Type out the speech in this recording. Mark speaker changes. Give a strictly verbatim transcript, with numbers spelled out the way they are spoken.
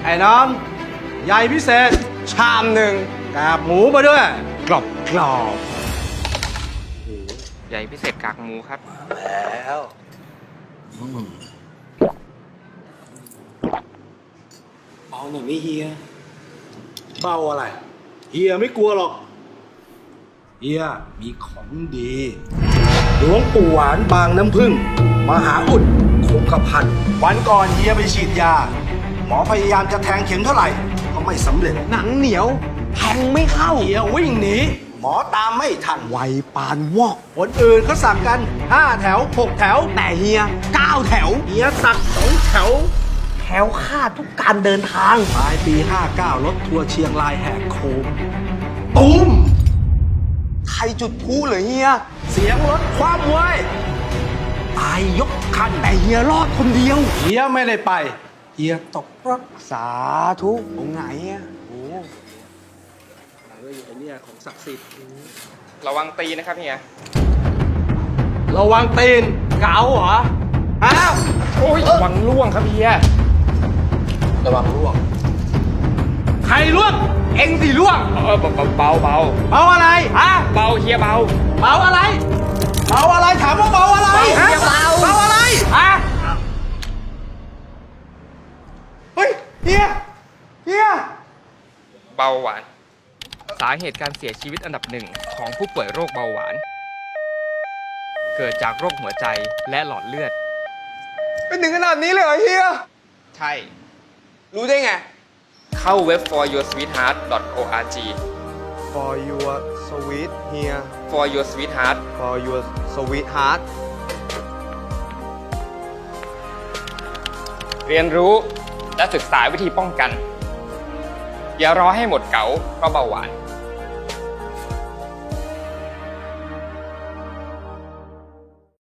Speaker 1: ไอ้น้องใหญ่พิเศษชามหนึ่งกาบหมูมาด้วยกรอบกรอบ
Speaker 2: ใหญ่พิเศษกากหมูครับ
Speaker 1: แล้วเบาหน่อยไม่เฮียเบาอะไรเฮียไม่กลัวหรอกเฮียมีของดีหลวงปู่หวานบางน้ำพึ่งมหาอุดคงกระพันวันก่อนเฮียไปฉีดยาหมอพยายามจะแทงเข็มเท่าไหร่ก็ไม่สำเร็จหนังเหนียวแทงไม่เข้าเฮียวิ่งหนีหมอตามไม่ทันไวปานวอกคนอื่นเขาสักกันห้าแถวหกแถวแต่เฮียเก้าแถวเฮียสักสองแถวแถวคาดทุกการเดินทางปลายปีห้าเก้ารถทัวร์เชียงรายแหกโค้งตุ้มใครจุดพลุเหรอเฮียเสียงรถคว่ำเว้ยตายยกคันแต่เฮียรอดคนเดียวเฮียไม่ได้ไปเฮียตกรถสาธุองค์ไหนอ่ะโอ้เฮ้ยไอ้เนี่ยของศักดิ์สิทธิ์
Speaker 2: ระวังตีนะครับเฮีย
Speaker 1: ระวังตีนเกาเหรอฮะ
Speaker 2: โอ้ยระวังล่วงครับเฮีย
Speaker 1: ระวังล่วงใครล่วงเอ็งสิล่วง
Speaker 2: เออเบาเบาเบา
Speaker 1: เบาอะไรฮะ
Speaker 2: เบาเฮียเบา
Speaker 1: เบาอะไรเบาอะไรถามว่าเบาอะไร
Speaker 2: เบา
Speaker 1: ฮะ
Speaker 2: เฮียเบา
Speaker 1: เบาอะไรฮะเฮ้ยเฮียเฮีย
Speaker 2: เบาหวาน สาเหตุการเสียชีวิตอันดับหนึ่งของผู้ป่วยโรคเบาหวาน เกิดจากโรคหัวใจและหลอดเลือด
Speaker 1: เป็นถึงขนาดนี้เลยเหรอเฮีย
Speaker 2: ใช่
Speaker 1: รู้ได้ไง
Speaker 2: เข้าเว็บ for your sweetheart dot org
Speaker 1: For your sweet here
Speaker 2: for your sweetheart
Speaker 1: For your sweetheart
Speaker 2: เรียนรู้และศึกษาวิธีป้องกัน อย่ารอให้หมดเก๋าเพราะเบาหวาน